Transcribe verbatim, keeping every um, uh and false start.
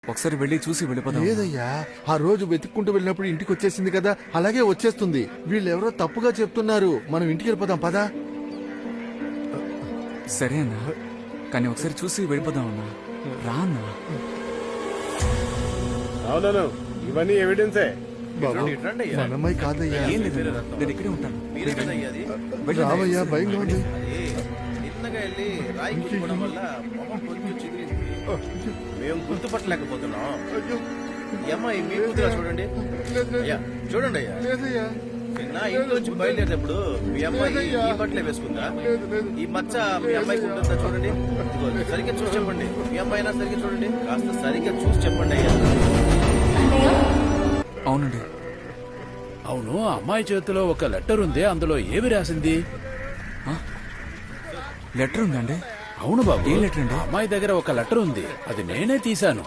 ఒకసారి వెళ్ళి చూసి వెళ్ళిపోదాం. లేదయ్యా, ఆ రోజు వెతుక్కుంటూ వెళ్ళినప్పుడు ఇంటికి వచ్చేసింది కదా, అలాగే వచ్చేస్తుంది. వీళ్ళెవరో తప్పుగా చెప్తున్నారు. మనం ఇంటికి వెళ్ళిపోదాం పదా. సరే అన్నా, కానీ ఒకసారి చూసి వెళ్ళిపోదాం అన్నా. రా అన్నా. అవునను, ఇవన్నీ ఎవిడెన్సే. బాబు, మన అమ్మాయి కాదయ్యా. ఏం లేదు అన్నా, నేను ఇక్కడే ఉంటాను. వెళ్ళండి. రావయ్యా, భయంగా ఉంది. మేము గుర్తుపట్టలేకపోతున్నాం. ఈ అమ్మాయి మీ కూతురా? చూడండి అయ్యా, చూడండి అయ్యా. లేదయ్యా, నిన్న ఇంట్లో నుంచి బయలుదేరేటప్పుడు మీ అమ్మాయి ఈ బట్టలే వేసుకుందా? ఈ మచ్చ మీ అమ్మాయికి ఉంటుందా? చూడండి. ఇదిగో, సరిగ్గా చూసి చెప్పండి. మీ అమ్మాయి అయినా సరిగ్గా చూడండి. కాస్త సరిగ్గా చూసి చెప్పండి అయ్యా. అవునండి. అవును, అమ్మాయి చేతిలో ఒక లెటర్ ఉంది. అందులో ఏమి రాసింది? లెటర్ ఉందండి. అవును బాబు. ఏ లెటర్ అండి? అమ్మాయి దగ్గర ఒక లెటర్ ఉంది. అది నేనే తీశాను.